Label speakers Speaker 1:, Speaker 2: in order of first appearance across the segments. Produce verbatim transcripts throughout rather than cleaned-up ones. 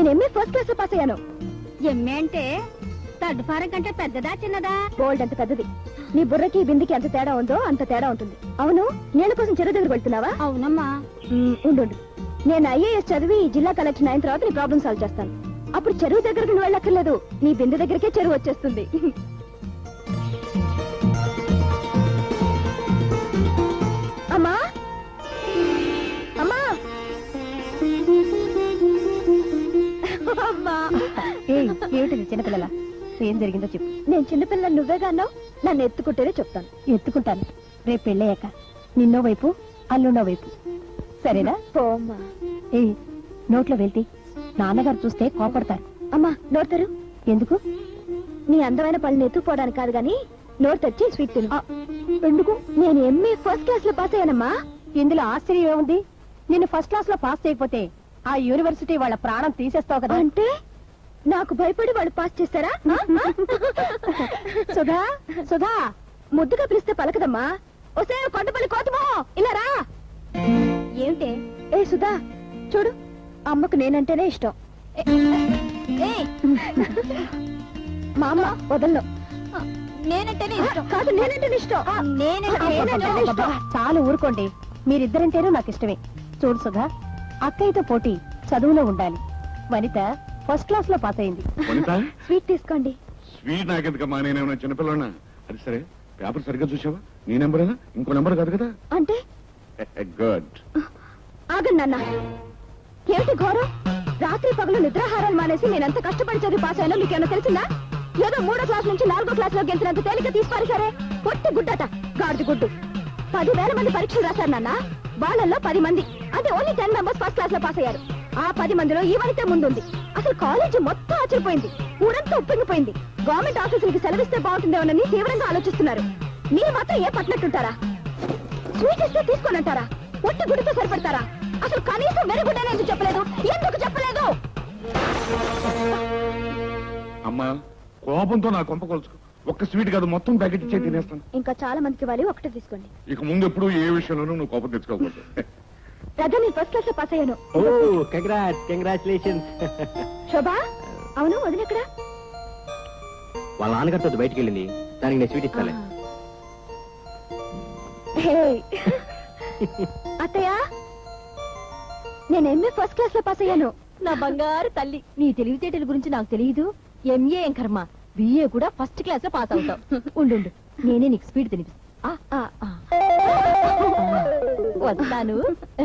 Speaker 1: నేను MA first class లో pass అయ్యాను.
Speaker 2: ఎంఏ అంటే థర్డ్ ఫారం కంటే పెద్దదా చిన్నదా?
Speaker 1: గోల్డ్ అంత పెద్దది. నీ బుర్రకి బిందికి ఎంత తేడా ఉందో అంత తేడా ఉంటుంది. అవును, నీళ్ళ కోసం చెరువు దగ్గర వెళ్తున్నావా?
Speaker 2: అవునమ్మా.
Speaker 1: ఉండు, నేను ఐఏఎస్ చదివి జిల్లా కలెక్టర్ అయిన తర్వాత నీ ప్రాబ్లం సాల్వ్ చేస్తాను. అప్పుడు చెరువు దగ్గరకు నువ్వు వెళ్ళక్కర్లేదు, నీ బిందె దగ్గరికే చెరువు వచ్చేస్తుంది. అమ్మా అమ్మా అమ్మా.
Speaker 2: ఏమిటిది చిన్నపిల్లల? ఏం జరిగిందో చెప్పు.
Speaker 1: నేను చిన్నపిల్లలు నువ్వేగా అన్నావు, నన్ను ఎత్తుకుంటేనే చెప్తాను.
Speaker 2: ఎత్తుకుంటాను. రేపు పెళ్ళయ్యాక నిన్నో వైపు అల్లుండో వైపు, సరేనా?
Speaker 1: పోమ్మా.
Speaker 2: ఏ నోట్లో వెళ్తే నాన్నగారు చూస్తే కోపడతారు.
Speaker 1: అమ్మా నోరుతారు.
Speaker 2: ఎందుకు?
Speaker 1: నీ అందమైన పళ్ళు ఎత్తుకుపోవడానికి కాదు గాని నోరు తెచ్చి స్వీట్ తిను. ఎందుకు? నేను ఎంఏ ఫస్ట్ క్లాస్ లో పాస్ అయ్యానమ్మా.
Speaker 2: ఇందులో ఆశ్చర్యం ఏముంది? నిన్ను ఫస్ట్ క్లాస్ లో పాస్ చేయకపోతే ఆ యూనివర్సిటీ వాళ్ళ ప్రాణం తీసేస్తావు కదా.
Speaker 1: అంటే నాకు భయపడి వాళ్ళు పాస్ చేస్తారా?
Speaker 2: సుధా సుధా
Speaker 1: ముద్దుగా పిలిస్తే పలకదమ్మా. ఒసే కొండపల్లి కోతమో ఇలా రా.
Speaker 2: ఏమిటే?
Speaker 1: ఏ సుధా చూడు, అమ్మకు నేనంటేనే ఇష్టం. మా అమ్మ వదలను.
Speaker 2: నేనంటేనే ఇష్టం
Speaker 1: కాదు, నేనంటేనే ఇష్టం.
Speaker 2: నేనంటే ఇష్టం. చాలు ఊరుకోండి, మీరిద్దరంటేనూ నాకు ఇష్టమే. చూడు సుధా, అక్కయ్యతో పోటీ చదువులో ఉండాలి. వనిత ఫస్ట్ క్లాస్ లో పాస్ అయింది.
Speaker 1: స్వీట్ తీసుకోండి.
Speaker 3: స్వీట్ నాకెందుకమ్మా, నేనేమన్నా చిన్నపిల్లనా? అది సరే, పేపర్ సరిగ్గా చూసావా? నీ నెంబరేనా? ఇంకో నెంబర్ కాదు కదా?
Speaker 1: అంటే
Speaker 3: గుడ్.
Speaker 1: ఆగండి నాన్న, ఏమిటి ఘోరం? రాత్రి పగలు నిద్రాహారాలు మానేసి నేనంత కష్టపడి చదివి పాస్ అయినా మీకేమన్నా తెలిసిందా? ఏదో మూడో క్లాస్ నుంచి నాలుగో క్లాస్ లో గెలిచినంత తేలిక తీసిపారు సరే. పొట్టి గుడ్డట, గాడిది గుడ్డు. పదివేల మంది పరీక్షలు రాశారు నాన్న, వాళ్ళల్లో పది మంది అంటే only ten members first class లో పాస్ అయ్యారు. ఆ పది మందిలో ఈ వనితే ముందుంది. అసలు కాలేజీ మొత్తం ఆశ్చర్యపోయింది, ఊరంతా ఉప్పొంగిపోయింది. గవర్నమెంట్ ఆఫీసులకి సెలవిస్తే బాగుంటుందేమోనని తీవ్రంగా ఆలోచిస్తున్నారు. మీరు మాత్రం ఏ పట్టినట్టుంటారా? స్వీట్ ఇస్తే తీసుకోనంటారా? ఒట్టి గుడితో సరిపెడతారా? అసలు కనీసం వెరుగుడ్డనే ఎందుకు చెప్పలేదు? ఎందుకు చెప్పలేదు?
Speaker 3: అమ్మా కోపంతో నా కొంప కొలుచుకో. ఒక్క స్వీట్ కాదు, మొత్తం ప్యాకెట్ ఇచ్చే తినేస్తాను.
Speaker 1: ఇంకా చాలా మందికి ఇవ్వాలి, ఒకటే తీసుకోండి.
Speaker 3: ఇక ముందు ఎప్పుడు ఏ విషయంలోనూ నువ్వు కోపం తెచ్చుకోకూడదు.
Speaker 1: రజా, నేను ఫస్ట్ క్లాస్ లో పాస్ అయ్యాను.
Speaker 4: కంగ్రాచులేషన్స్.
Speaker 1: శోభా, అవును వదిన ఎక్కడ?
Speaker 4: వాళ్ళ నాన్నగారితో బయటికి వెళ్ళింది, దానికి నేను స్వీట్ ఇస్తాను.
Speaker 1: అత్తయ్య, నేను ఎంఏ ఫస్ట్ క్లాస్ లో పాస్ అయ్యాను.
Speaker 2: నా బంగారు తల్లి, నీ తెలివితేటల గురించి నాకు తెలియదు. ఎంఏ ఏం కర్మ, బిఏ కూడా ఫస్ట్ క్లాస్ లో పాస్ అవుతావు. ఉండు, నేనే నీకు స్పీడ్ తినిపిస్తా. వస్తాను.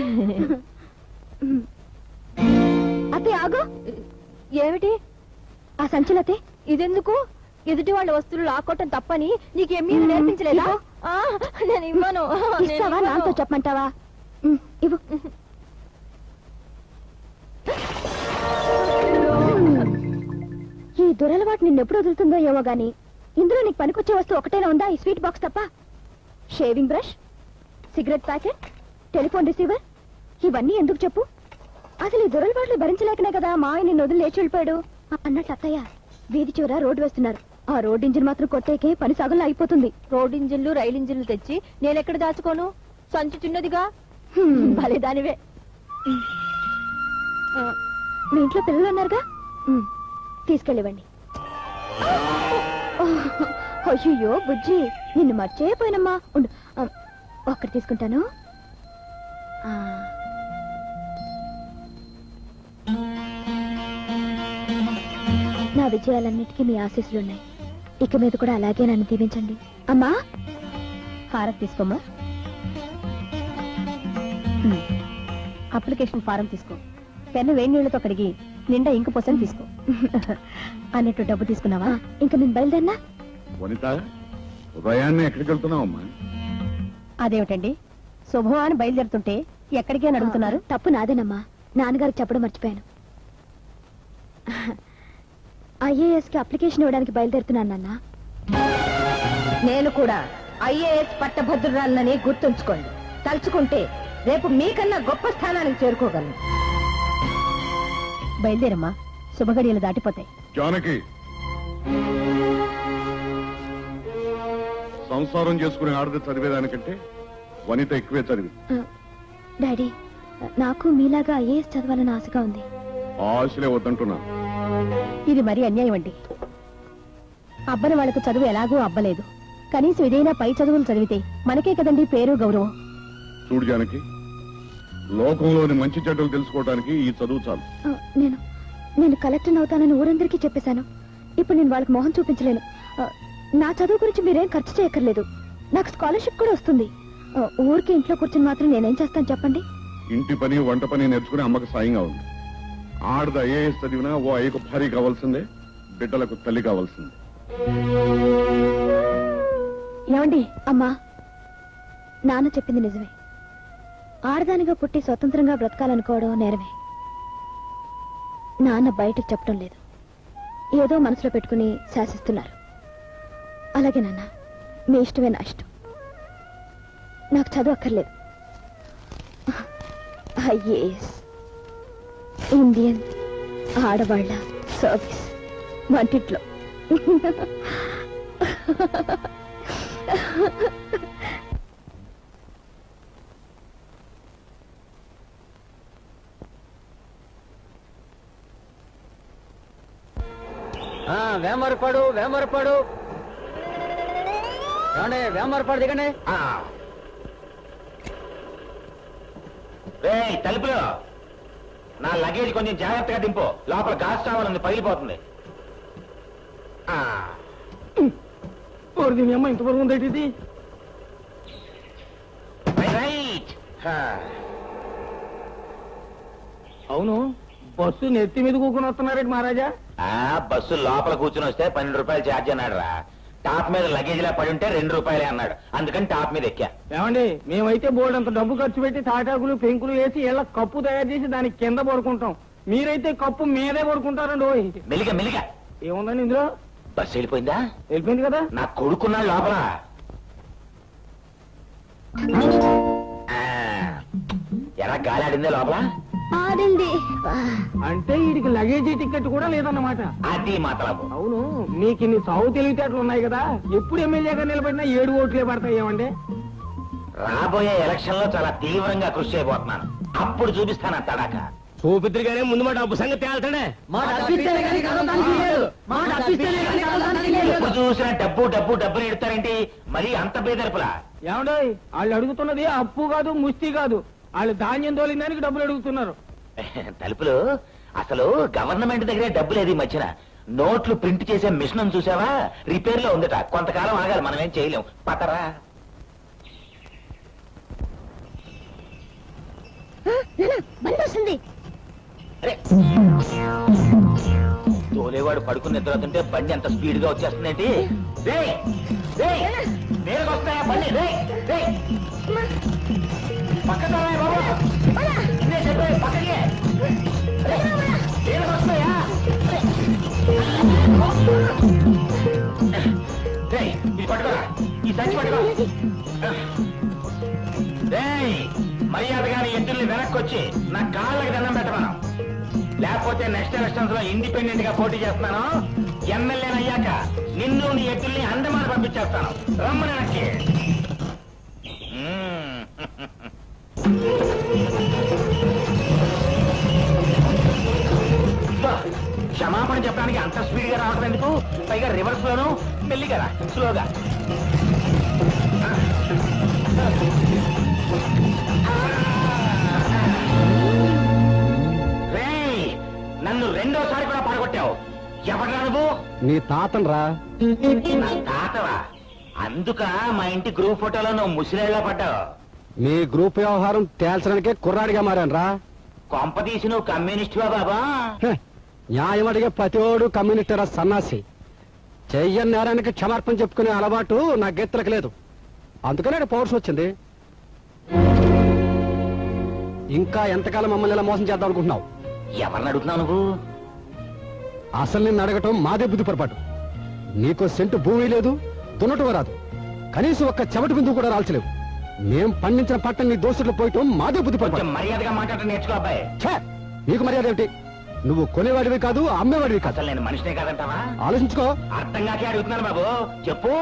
Speaker 1: అత్తయ్య ఆగు.
Speaker 2: ఏమిటి
Speaker 1: ఆ సంచులతే?
Speaker 2: ఇదెందుకు? ఎదుటి వాళ్ళ వస్తువులు లాక్కోవటం తప్పని నీకు ఎంఏ నేర్పించలేదా? నేను ఇవ్వను.
Speaker 1: ఇస్తావా? నాతో చెప్పమంటావా? ఇవ్వు. ఈ దురలవాటు నిన్నెప్పుడు వదులుతుందో ఏమో గాని, ఇందులో నీకు పనికొచ్చే వస్తువు ఒకటేనా ఉందా? ఈ స్వీట్ బాక్స్ తప్ప. Shaving brush, cigarette packet, telephone receiver, ఇవన్నీ ఎందుకు చెప్పు? అసలు ఈ దురలవాట్లు భరించలేకనే కదా మా ఆయన నిన్ను వదిలి లేచి వెళ్ళిపోయాడు. అన్నట్టు అత్తయ్య, వీధి చివర రోడ్డు వేస్తున్నారు. ఆ రోడ్ ఇంజిన్ మాత్రం కొట్టేకే పని సగంలో అయిపోతుంది.
Speaker 2: రోడ్ ఇంజిన్లు రైలు ఇంజిన్లు తెచ్చి నేనెక్కడ దాచుకోను? సంచి చిన్నదిగా. భలే దానివే.
Speaker 1: మీ ఇంట్లో పిల్లలు ఉన్నారుగా, తీసుకెళ్ళివ్వండి. అయ్యో బుజ్జి, నిన్ను మర్చిపోయినమ్మా. ఉండు, ఒక్కటి తీసుకుంటాను. నా విజయాలన్నిటికీ మీ ఆశీస్సులున్నాయి. ఇక మీద కూడా అలాగే నన్ను దీవించండి. అమ్మా,
Speaker 2: హారతి తీసుకోమ్మా. అప్లికేషన్ ఫారం తీసుకో. పెన్ను వేడి నీళ్లతో కడిగి నిండా ఇంక పోసని తీసుకో. అన్నట్టు డబ్బు తీసుకున్నావా?
Speaker 1: ఇంకా నేను బయలుదేరినా?
Speaker 3: వనిత, ఉదయాన్నే ఎక్కడికి వెళ్తున్నావు అమ్మా?
Speaker 2: అదేమిటండి, శుభవాన్ని బయలుదేరుతుంటే ఎక్కడికి అని అడుగుతున్నారు?
Speaker 1: తప్పు నాదేనమ్మా, నాన్నగారికి చెప్పడం మర్చిపోయాను. ఐఏఎస్ కి అప్లికేషన్ ఇవ్వడానికి బయలుదేరుతున్నాను నాన్న.
Speaker 2: నేను కూడా ఐఏఎస్ పట్టభద్రురాలని గుర్తుంచుకోండి. తలుచుకుంటే రేపు మీకన్నా గొప్ప స్థానానికి చేరుకోగలను. బయలుదేరమ్మా, శుభగడియలు దాటిపోతాయి.
Speaker 3: జానకి, సంసారం చేసుకునే ఆడది చదివేదానికంటే వనిత ఎక్కువే చదివి.
Speaker 1: డాడీ, నాకు మీలాగా ఐఏఎస్ చదవాలని ఆశగా ఉంది.
Speaker 3: ఆశలే వద్దంటున్నాను.
Speaker 2: ఇది మరీ అన్యాయం అండి. అబ్బని వాళ్ళకు చదువు ఎలాగో అబ్బలేదు, కనీసం ఇదైనా పై చదువులు చదివితే మనకే కదండి పేరు గౌరవం.
Speaker 3: చూడు జానకి, లోకంలోని మంచి చెడ్డలు తెలుసుకోవడానికి ఈ చదువు చాలు.
Speaker 1: ఆ, నేను నేను కలెక్టర్ అవుతానని ఊరందరికీ చెప్పేశాను. ఇప్పుడు నేను వాళ్ళకి మొహం చూపించలేను. ఆ, నా చదువు గురించి మీరేం ఖర్చు చేయక్కర్లేదు. నాకు స్కాలర్షిప్ కూడా వస్తుంది. ఆ, ఊరికి ఇంట్లో కూర్చొని మాత్రం నేనేం చేస్తాను చెప్పండి?
Speaker 3: ఇంటి పని వంట పని నేర్చుకుని అమ్మకు సాయంగా ఉంది. ఆడద ఐఏఎస్ చదివినా ఓ అయ్యకు భారీ కావాల్సిందే, బిడ్డలకు తల్లి కావాల్సిందే.
Speaker 2: ఏమండి,
Speaker 1: అమ్మా, నాన్న చెప్పింది నిజమే. ఆడదానిగా పుట్టి స్వతంత్రంగా బ్రతకాలనుకోవడం నేరమే. నాన్న బయటకు చెప్పడం లేదు, ఏదో మనసులో పెట్టుకుని శాసిస్తున్నారు. అలాగే నాన్న, మీ ఇష్టమే నా ఇష్టం. నాకు చదువు అక్కర్లేదు. ఐఏఎస్, ఇండియన్ ఆడవాళ్ళ సర్వీస్ వంటిట్లో.
Speaker 4: వేమరపాడు వేమరపాడు ఏమండి, వేమరపాడు దిగండి. తలుపులో నా లగేజ్ కొంచెం జాగ్రత్తగా దింపు, లోపల గాస్ చావాలని పగిలిపోతుంది.
Speaker 5: దీని అమ్మ ఇంతవరకు ఉందేంటి ఇది?
Speaker 4: రైట్.
Speaker 5: అవును, బస్సు నెత్తి మీద కూకుని వస్తున్నారేంటి మహారాజా?
Speaker 4: ఆ బస్సు లోపల కూర్చుని వస్తే పన్నెండు రూపాయలు ఛార్జ్ అన్నాడు రా. టాప్ మీద లగేజ్ లా పడి ఉంటే రెండు రూపాయలే అన్నాడు, అందుకని టాప్ మీద ఎక్కా.
Speaker 5: ఏమండి, మేమైతే బోర్డు అంత డబ్బు ఖర్చు పెట్టి తాటాకులు పెంకులు వేసి ఇలా కప్పు తయారు చేసి దానికి కింద పడుకుంటాం. మీరైతే కప్పు మీదే పడుకుంటారండి. ఓ
Speaker 4: మెలిగా మెలిగా
Speaker 5: ఏముందండి ఇందులో?
Speaker 4: బస్సు వెళ్ళిపోయిందా?
Speaker 5: వెళ్ళిపోయింది కదా.
Speaker 4: నా కొడుకున్నాడు లోపల. ఎలా గాలి ఆడిందే లోపల?
Speaker 1: ఆడింది.
Speaker 5: అంటే వీడికి లగేజీ టికెట్ కూడా లేదన్నమాట.
Speaker 4: అది మాట్లాడు.
Speaker 5: అవును, మీకు ఇన్ని సాగు తెలివితేటలు ఉన్నాయి కదా, ఎప్పుడు ఎమ్మెల్యేగా నిలబడినా ఏడు ఓట్లే పడతాయి. ఏమండి,
Speaker 4: రాబోయే ఎలక్షన్ లో చాలా తీవ్రంగా కృషి చేయబోతున్నాను, అప్పుడు చూపిస్తాను ఆ తడాక.
Speaker 5: చూపిద్దరుగానే ముందు మా డబ్బు సంగతి తేల్తాడే.
Speaker 4: ఎప్పుడు చూసినా డబ్బు డబ్బు డబ్బులు ఎడతారేంటి? మరి అంత బేదర్పులా?
Speaker 5: ఏమండో, వాళ్ళు అడుగుతున్నది అప్పు కాదు, ముష్టి కాదు. వాళ్ళు ధాన్యం తోలిందానికి డబ్బులు అడుగుతున్నారు.
Speaker 4: తలుపులు అసలు గవర్నమెంట్ దగ్గరే డబ్బు లేదు ఈ మధ్యన. నోట్లు ప్రింట్ చేసే మిషన్ చూసావా? రిపేర్ లో ఉందట, కొంతకాలం ఆగాలి, మనం ఏం చేయలేం. పతరా
Speaker 1: వస్తుంది.
Speaker 4: తోలేవాడు పడుకుని నిద్రవుతుంటే బండి అంత స్పీడ్ గా వచ్చేస్తుందేంటి? నేరుగా వస్తాయా బండి? పక్కన పక్కకి నేరుగా వస్తాయా? ఇది పట్టుకోరా, ఈ సంచి పట్టుకో. మర్యాదగాని ఎద్దుల్ని వెనక్కి వచ్చి నా కాళ్ళకి దండం పెట్టమను, లేకపోతే నెక్స్ట్ ఎలక్షన్స్ లో ఇండిపెండెంట్ గా పోటీ చేస్తున్నాను. ఎమ్మెల్యే అయ్యాక నిన్ను నీ ఎద్దుల్ని అందమాన పంపించేస్తాను. రమ్మని వెనక్కి. క్షమాపణ చెప్పడానికి అంత స్పీడ్ గా రావడం ఎందుకు? పైగా రివర్స్ లోను మెల్లిగా రా, స్లోగా. నన్ను రెండోసారి కూడా పడగొట్టావు. ఎవరా నువ్వు?
Speaker 5: నీ తాతన్ రా.
Speaker 4: నా తాతవా? అందుక మా ఇంటి గ్రూప్ ఫోటోలో నువ్వు ముసిరేళ్లా పడ్డావు.
Speaker 5: మీ గ్రూప్ వ్యవహారం తేల్చడానికే కుర్రాడిగా మారాను రా.
Speaker 4: కొంపదీసి నువ్వు కమ్యూనిస్టువా బాబా?
Speaker 5: న్యాయం అడిగే ప్రతివాడు కమ్యూనిస్టరా సన్నాసి. చెయ్యని నేరానికి క్షమార్పణ చెప్పుకునే అలవాటు నా గెత్తలకు లేదు, అందుకనే పౌరుషం వచ్చింది. ఇంకా ఎంతకాలం మమ్మల్ని ఇలా మోసం చేద్దాం అనుకుంటున్నావు?
Speaker 4: ఎవరిని అడుగుతున్నావు నువ్వు?
Speaker 5: అసలు నిన్ను అడగటం మాదే బుద్ధి పొరపాటు. నీకో సెంటు భూమి లేదు, దున్నటం రాదు, కనీసం ఒక్క చెమటి బిందువు కూడా రాల్చలేవు. మేం పండించిన పంట నీ దోస్తులు పోయటం మాదే బుద్ధి పొరపాటు.
Speaker 4: మర్యాదగా మాట్లాడటం నేర్చుకో అబ్బాయి.
Speaker 5: ఛే, నీకు మర్యాద ఏమిటి? నువ్వు కొనేవాడివి కాదు, అమ్మేవాడివి కాదు.
Speaker 4: అసలు నేను మనిషినే కాదంటావా?
Speaker 5: ఆలోచించుకో.
Speaker 4: అర్థం కాకే అడుగుతున్నాను బాబు, చెప్పు.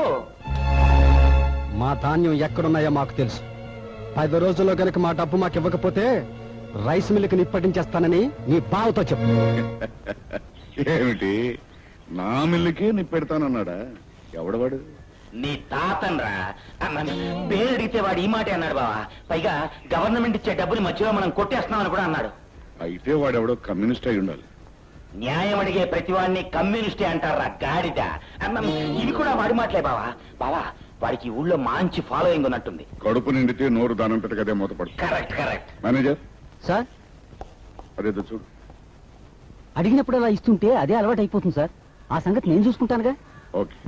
Speaker 5: మా ధాన్యం ఎక్కడున్నాయో మాకు తెలుసు. పది రోజుల్లో కనుక మా డబ్బు మాకు ఇవ్వకపోతే రైస్ మిల్లుకి నిప్పటించేస్తానని నీ బావతో చెప్పు.
Speaker 3: ఏమిటి నా మిల్లుకే నిప్పెడతానన్నాడా? ఎవడవాడు?
Speaker 4: నీ తాతన్రా అన్నాను. పేరు అడిగితే వాడు ఈ మాటే అన్నాడు బావా. పైగా గవర్నమెంట్ ఇచ్చే డబ్బులు మధ్యలో మనం కొట్టేస్తున్నామని కూడా అన్నాడు.
Speaker 3: అయితే వాడెవడో కమ్యూనిస్ట్ అయి ఉండాలి.
Speaker 4: న్యాయం అడిగే ప్రతివాడిని కమ్యూనిస్టే అంటారా గాడిద. అన్నం ఇవి కూడా వాడి మాటలే బావా. బావా వాడికి ఈ ఊళ్ళో మంచి ఫాలోయింగ్ ఉన్నట్టుంది.
Speaker 3: కడుపు నిండితే నోరు దానం పెట్టకదే మూతపడు.
Speaker 4: Correct correct.
Speaker 3: మేనేజర్
Speaker 5: సార్,
Speaker 3: అదేదో చూడు.
Speaker 5: అడిగినప్పుడు అలా ఇస్తుంటే అదే అలవాటు అయిపోతుంది సార్. ఆ సంగతి నేను చూసుకుంటానుగా.
Speaker 3: ఓకే.